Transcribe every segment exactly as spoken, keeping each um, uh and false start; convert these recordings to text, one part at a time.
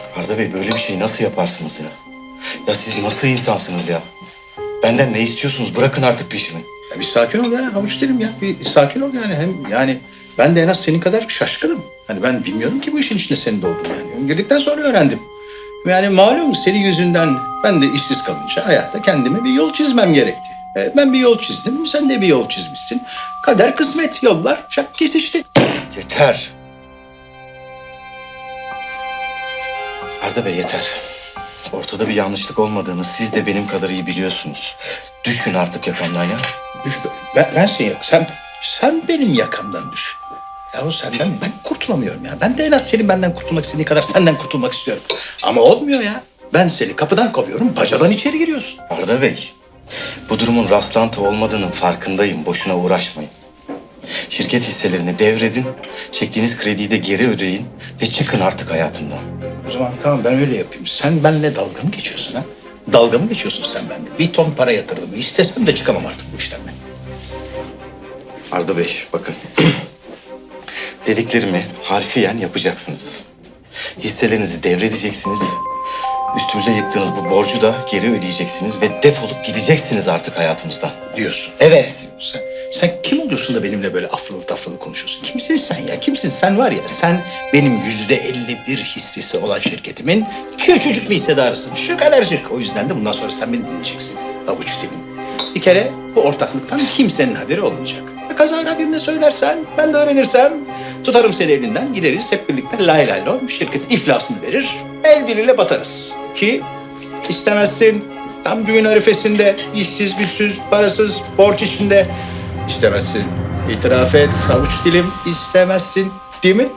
Arda Bey böyle bir şeyi nasıl yaparsınız ya? Ya siz nasıl insansınız ya? Benden ne istiyorsunuz? Bırakın artık peşimi. Ya bir sakin ol ya havuç dilim ya. Bir sakin ol yani. Hem yani ben de en az senin kadar şaşkınım. Hani ben bilmiyordum ki bu işin içinde senin de olduğunu yani. Girdikten sonra öğrendim. Yani malum senin yüzünden ben de işsiz kalınca hayatta kendime bir yol çizmem gerekti. E, ben bir yol çizdim, sen de bir yol çizmişsin. Kader kısmet, yollar çak kesişti. Yeter. Arda Bey yeter. Ortada bir yanlışlık olmadığını siz de benim kadar iyi biliyorsunuz. Düşün artık yakamdan ya. Düş, ben, ben seni yak, sen, sen benim yakamdan düş. Yahu senden ben kurtulamıyorum ya. Ben de en az senin benden kurtulmak istediğin kadar senden kurtulmak istiyorum. Ama olmuyor ya. Ben seni kapıdan kovuyorum, bacadan içeri giriyorsun. Arda Bey, bu durumun rastlantı olmadığının farkındayım. Boşuna uğraşmayın. Şirket hisselerini devredin, çektiğiniz krediyi de geri ödeyin ve çıkın artık hayatımdan. O zaman tamam ben öyle yapayım. Sen benimle dalga mı geçiyorsun ha? Dalga mı geçiyorsun sen benimle? Bir ton para yatırdım. İstesem de çıkamam artık bu işten ben. Arda Bey, bakın. Dediklerimi harfiyen yapacaksınız. Hisselerinizi devredeceksiniz. Üstümüze yıktığınız bu borcu da geri ödeyeceksiniz ve defolup gideceksiniz artık hayatımızdan. Diyorsun. Evet. Sen, sen kim oluyorsun da benimle böyle afralı tafralı konuşuyorsun? Kimsin sen ya? Kimsin? Sen var ya sen benim yüzde elli bir hissesi olan şirketimin küçücük bir hissedarısın. Şu kadarcık. O yüzden de bundan sonra sen beni dinleyeceksin. Avuç dilim. Bir kere bu ortaklıktan kimsenin haberi olmayacak. Kazayla birine söylersen, ben de öğrenirsem tutarım seni elinden gideriz hep birlikte lay lay lom şirketin iflasını verir. El birliğiyle batarız. Ki istemezsin tam düğün arifesinde işsiz, güçsüz, parasız, borç içinde istemezsin. İtiraf et avuç dilim istemezsin değil mi?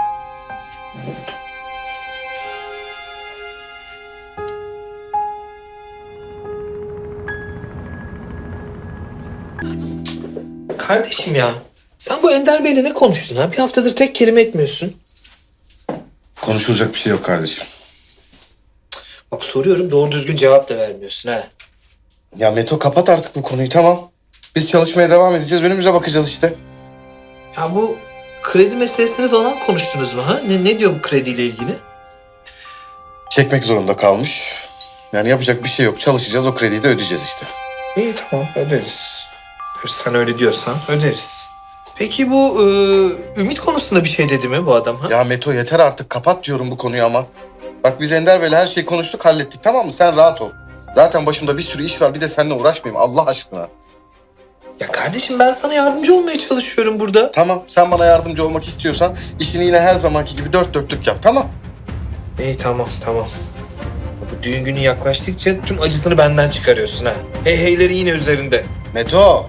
Kardeşim ya, sen bu Ender Bey'le ne konuştun ha? Bir haftadır tek kelime etmiyorsun. Konuşulacak bir şey yok kardeşim. Bak soruyorum, doğru düzgün cevap da vermiyorsun ha. Ya Meto kapat artık bu konuyu tamam. Biz çalışmaya devam edeceğiz. Önümüze bakacağız işte. Ya bu kredi meselesini falan konuştunuz mu ha? Ne, ne diyor bu krediyle ilgili? Çekmek zorunda kalmış. Yani yapacak bir şey yok. Çalışacağız, o krediyi de ödeyeceğiz işte. İyi tamam, öderiz. Sen öyle diyorsan öderiz. Peki bu e, Ümit konusunda bir şey dedi mi bu adam ha? Ya Meto yeter artık. Kapat diyorum bu konuyu ama. Bak biz Ender Bey'le her şeyi konuştuk, hallettik tamam mı? Sen rahat ol. Zaten başımda bir sürü iş var. Bir de seninle uğraşmayayım Allah aşkına. Ya kardeşim ben sana yardımcı olmaya çalışıyorum burada. Tamam, sen bana yardımcı olmak istiyorsan işini yine her zamanki gibi dört dörtlük yap tamam. İyi tamam tamam. Bu düğün günü yaklaştıkça tüm acısını benden çıkarıyorsun ha. Hey heyleri yine üzerinde. Meto.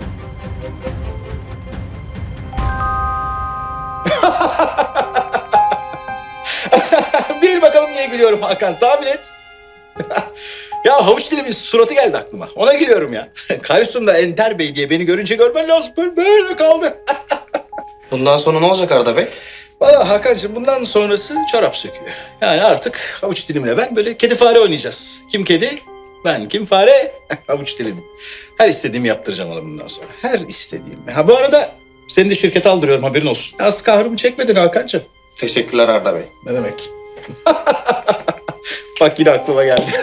Bil bakalım niye gülüyorum Hakan tahmin et. Ya havuç dilimin suratı geldi aklıma. Ona gülüyorum ya. Karşısında Enter Bey diye beni görünce görmen lazım. Böyle, böyle kaldı. Bundan sonra ne olacak Arda Bey? Valla Hakan'cığım bundan sonrası çorap söküyor. Yani artık havuç dilimle ben böyle kedi fare oynayacağız. Kim kedi? Ben kim fare? Havuç dilim. Her istediğimi yaptıracağım ona bundan sonra. Her istediğimi. Ha bu arada seni de şirkete aldırıyorum haberin olsun. Az kahrımı çekmedin Hakan'cığım. Teşekkürler Arda Bey. Ne demek? Bak yine aklıma geldi.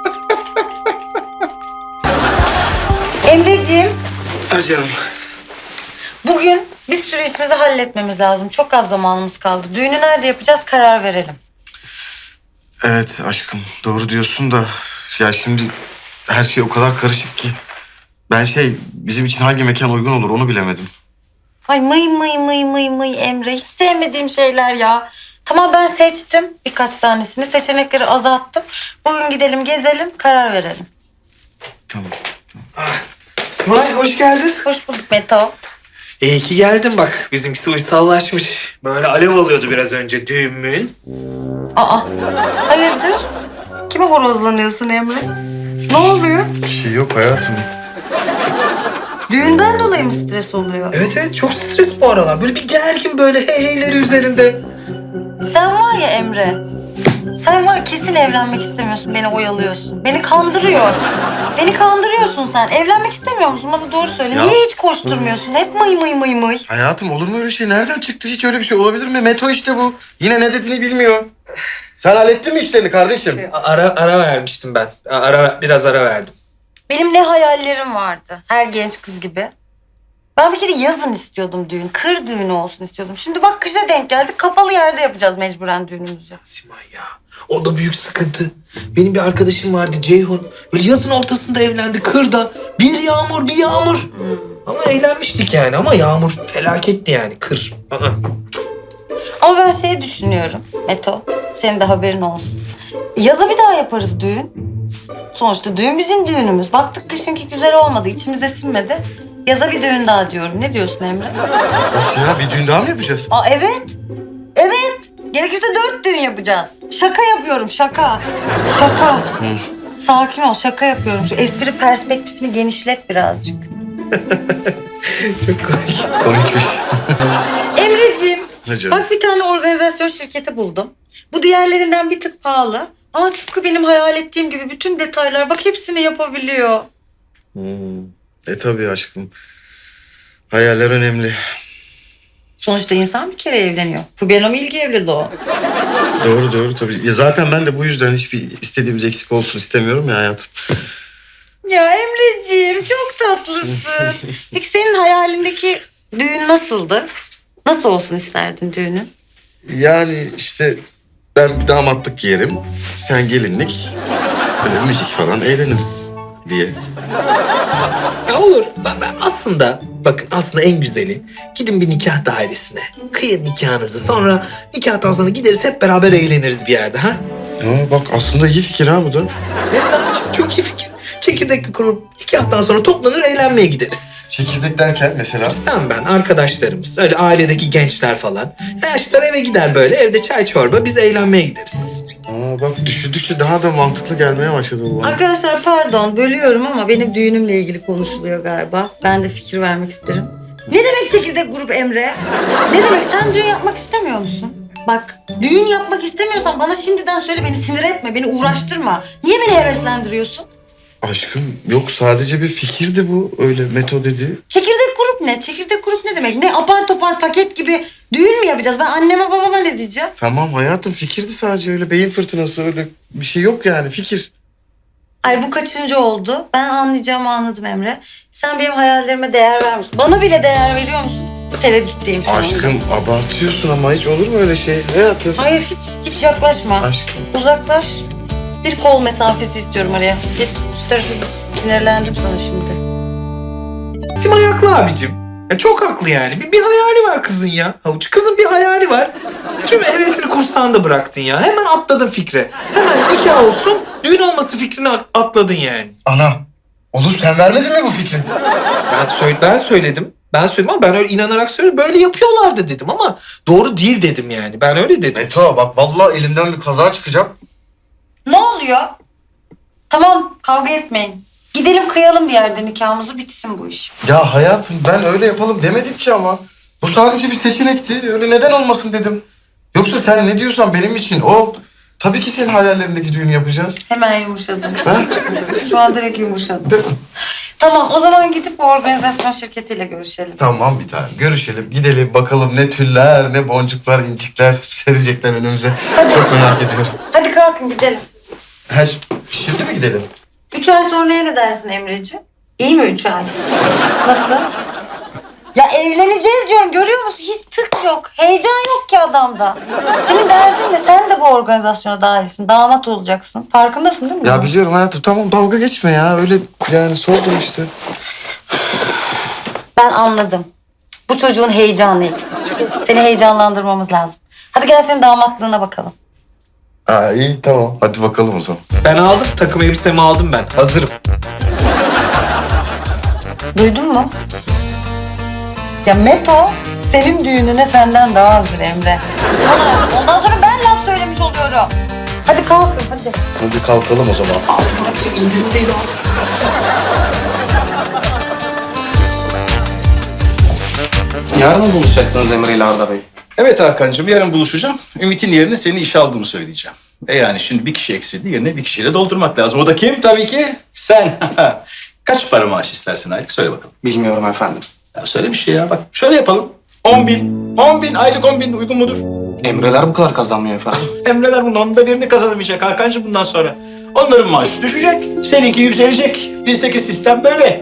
Emreciğim, Ha canım. bugün bir sürü işimizi halletmemiz lazım. Çok az zamanımız kaldı. Düğünü nerede yapacağız karar verelim. Evet aşkım doğru diyorsun da ya şimdi her şey o kadar karışık ki ben şey bizim için hangi mekan uygun olur onu bilemedim. Ay mıy mıy mıy mıy mıy Emre. Hiç sevmediğim şeyler ya. Tamam ben seçtim birkaç tanesini. Seçenekleri azalttım. Bugün gidelim gezelim karar verelim. Tamam. İsmail hoş geldin. Hoş bulduk Meto. İyi ki geldin bak. Bizimkisi uysallaşmış. Böyle alev alıyordu biraz önce düğün müğün. Aa hayırdır? Kime horozlanıyorsun Emre? Ne oluyor? Bir şey yok hayatım. Düğünden dolayı mı stres oluyor? Evet evet çok stres bu aralar. Böyle bir gergin böyle hey heyleri üzerinde. Sen var ya Emre. Sen var kesin evlenmek istemiyorsun. Beni oyalıyorsun. Beni kandırıyor. Beni kandırıyorsun sen. Evlenmek istemiyor musun? Bana doğru söyle. Ya- Niye hiç koşturmuyorsun? Hep mıy mıy mıy mıy. Hayatım olur mu öyle şey? Nereden çıktı? Hiç öyle bir şey olabilir mi? Meto işte bu. Yine ne dediğini bilmiyor. Sen hallettin mi işlerini kardeşim? Şey, Ara ara vermiştim ben. Ara biraz ara verdim. Benim ne hayallerim vardı. Her genç kız gibi. Ben bir kere yazın istiyordum düğün. Kır düğünü olsun istiyordum. Şimdi bak kışa denk geldik. Kapalı yerde yapacağız mecburen düğünümüzü. Simay ya. O da büyük sıkıntı. Benim bir arkadaşım vardı Ceyhun. Böyle yazın ortasında evlendi kırda. Bir yağmur bir yağmur. Ama eğlenmiştik yani ama yağmur felaketti yani kır. Aa. Ama ben şey düşünüyorum Meto. Senin de haberin olsun. Yaza bir daha yaparız düğün. Sonuçta düğün bizim düğünümüz. Baktık kışınki güzel olmadı. İçimize sinmedi. Yaza bir düğün daha diyorum. Ne diyorsun Emre? Nasıl ya? Bir düğün daha mı yapacağız? Aa evet. Evet. Gerekirse dört düğün yapacağız. Şaka yapıyorum şaka. Şaka. Sakin ol şaka yapıyorum. Şu espri perspektifini genişlet birazcık. Çok komik. Komikmiş. Emreciğim. Ne canım? Bak bir tane organizasyon şirketi buldum. Bu diğerlerinden bir tık pahalı. Ama tıpkı benim hayal ettiğim gibi bütün detaylar bak hepsini yapabiliyor. E tabii aşkım. Hayaller önemli. Sonuçta insan bir kere evleniyor. Bu benim ilgi evliliği o. Doğru doğru tabii. Ya zaten ben de bu yüzden hiçbir istediğimiz eksik olsun istemiyorum ya hayatım. Ya Emreciğim çok tatlısın. Peki senin hayalindeki düğün nasıldı? Nasıl olsun isterdin düğünün? Yani işte ben bir damatlık giyerim. Sen gelinlik. Böyle müzik falan eğleniriz diye. Ya olur. Ben, ben aslında bakın aslında en güzeli gidin bir nikah dairesine. Kıyın nikahınızı. Sonra nikahtan sonra gideriz hep beraber eğleniriz bir yerde ha. Aa, bak aslında iyi fikir ha bu da. Evet abi, çok iyi fikir. Çekirdek bir kurup nikahtan sonra toplanır eğlenmeye gideriz. Çekirdek derken mesela? Sen ben arkadaşlarımız öyle ailedeki gençler falan. Yaşlılar eve gider böyle evde çay çorba biz eğlenmeye gideriz. Aa, bak düşündükçe daha da mantıklı gelmeye başladı bu bana. Arkadaşlar pardon bölüyorum ama benim düğünümle ilgili konuşuluyor galiba. Ben de fikir vermek isterim. Ne demek çekirdek grup Emre? Ne demek sen düğün yapmak istemiyor musun? Bak düğün yapmak istemiyorsan bana şimdiden söyle beni sinir etme, beni uğraştırma. Niye beni heveslendiriyorsun? Aşkım yok sadece bir fikirdi bu. Öyle Meto dedi. Çekirdek grup ne? Çekirdek grup ne demek? Ne apar topar paket gibi düğün mü yapacağız? Ben anneme babama ne diyeceğim? Tamam hayatım fikirdi sadece öyle beyin fırtınası öyle bir şey yok yani fikir. Ay bu kaçıncı oldu? Ben anlayacağımı anladım Emre. Sen benim hayallerime değer vermiyorsun. Bana bile değer veriyor musun? Tereddütteyim şu anda. Aşkım abartıyorsun ama hiç olur mu öyle şey hayatım? Hayır hiç hiç yaklaşma. Aşkım. Uzaklaş. Bir kol mesafesi istiyorum araya. Geç şu tarafa geç. Sinirlendim sana şimdi. Simay haklı abicim. Ya çok haklı yani. Bir, bir hayali var kızın ya. Havuç kızın bir hayali var. Tüm hevesini kursağında bıraktın ya. Hemen atladın fikre. Hemen nikah olsun, düğün olması fikrini at- atladın yani. Ana. Oğlum sen vermedin mi bu fikri? Ben, söyle, ben söyledim. Ben söyledim ama ben öyle inanarak söyledim. Böyle yapıyorlardı dedim ama doğru değil dedim yani. Ben öyle dedim. Meto bak vallahi elimden bir kaza çıkacak. Ne oluyor? Tamam kavga etmeyin. Gidelim kıyalım bir yerde nikahımızı bitsin bu iş. Ya hayatım ben öyle yapalım demedim ki ama. Bu sadece bir seçenekti. Öyle neden olmasın dedim. Yoksa sen ne diyorsan benim için o. Tabii ki senin hayallerindeki düğünü yapacağız. Hemen yumuşadım. Ha? Şu an direkt yumuşadım. Değil mi? Tamam o zaman gidip bu organizasyon şirketiyle görüşelim. Tamam bir tane. Görüşelim, gidelim bakalım ne tüller, ne boncuklar, incikler serecekler önümüze. Hadi. Çok merak ediyorum. Hadi kalkın gidelim. Ha, şimdi mi gidelim? Üç ay sonraya ne dersin Emreciğim? İyi mi üç ay? Nasıl? Ya evleneceğiz diyorum görüyor musun? Hiç tık yok. Heyecan yok ki adamda. Senin derdin ne? Sen de bu organizasyona dahilsin. Damat olacaksın. Farkındasın değil mi? Ya biliyorum hayatım tamam dalga geçme ya. Öyle yani sordum işte. Ben anladım. Bu çocuğun heyecanı eksik. Seni heyecanlandırmamız lazım. Hadi gel senin damatlığına bakalım. Ha iyi tamam. Hadi bakalım o zaman. Ben aldım. Takım elbisemi aldım ben. Hazırım. Duydun mu? Ya Meto senin düğününe senden daha hazır Emre. Tamam, ondan sonra ben laf söylemiş oluyorum. Hadi kalkın hadi. Hadi kalkalım o zaman. İndirimdeydi abi. Yarın mı buluşacaksınız Emre ile Arda Bey? Evet Hakan'cığım yarın buluşacağım. Ümit'in yerine seni işe aldığımı söyleyeceğim. E yani şimdi bir kişi eksildi yerine bir kişiyle doldurmak lazım. O da kim? Tabii ki sen. Kaç para maaş istersin aylık? Söyle bakalım. Bilmiyorum efendim. Ya söyle bir şey ya bak şöyle yapalım. On bin. On bin aylık on bin uygun mudur? Emreler bu kadar kazanmıyor efendim. Emreler bunun onda birini kazanamayacak Hakan'cığım bundan sonra. Onların maaşı düşecek, seninki yükselecek. Bizdeki sistem böyle.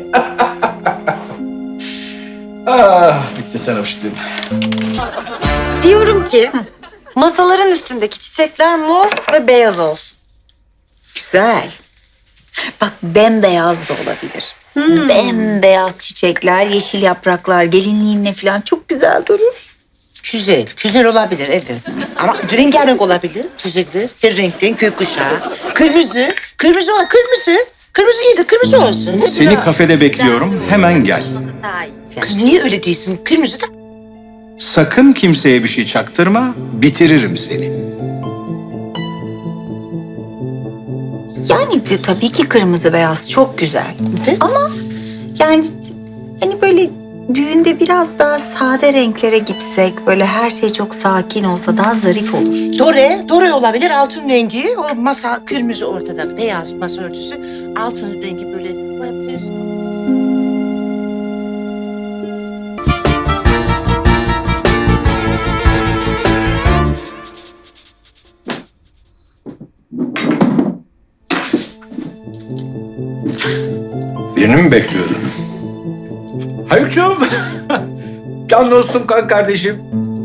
ah, bitti sen hoşlayayım. Diyorum ki masaların üstündeki çiçekler mor ve beyaz olsun. Güzel. Bak bembeyaz da olabilir. Bembeyaz çiçekler, yeşil yapraklar, gelinliğinle falan çok güzel durur. Güzel, güzel olabilir evet. Ama rengarenk olabilir. Çiçekler, her renkten gökkuşağı. Kırmızı, kırmızı ol, kırmızı. Kırmızı iyidir, kırmızı olsun. Ne Seni diyor? kafede bekliyorum, hemen gel. Daha iyi. Kız niye öyle değilsin? Kırmızı da... Sakın kimseye bir şey çaktırma, bitiririm seni. Yani de, tabii ki kırmızı beyaz çok güzel. Evet. Ama yani hani böyle düğünde biraz daha sade renklere gitsek, böyle her şey çok sakin olsa daha zarif olur. Dore, dore olabilir altın rengi. O masa kırmızı ortada, beyaz masa örtüsü. Altın rengi böyle... Birini mi bekliyordun? Haluk'cuğum. Can dostum, kan kardeşim.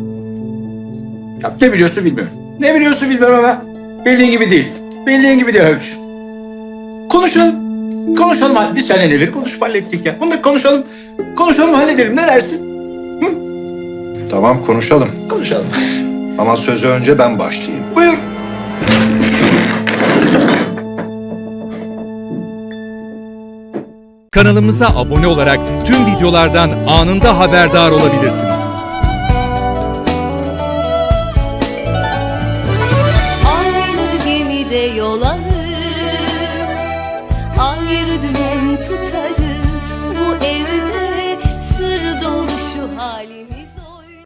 Ya ne biliyorsun bilmiyorum. Ne biliyorsun bilmiyorum ama bildiğin gibi değil. Bildiğin gibi değil Haluk'cuğum. Konuşalım. Konuşalım. hadi. Biz seninle neleri konuşup hallettik ya. Bunları konuşalım. Konuşalım halledelim. Ne dersin? Tamam konuşalım. Konuşalım. Ama sözü önce ben başlayayım. Buyur. Kanalımıza abone olarak tüm videolardan anında haberdar olabilirsiniz. Aynı gemide yol alır, ayrı dümen tutar.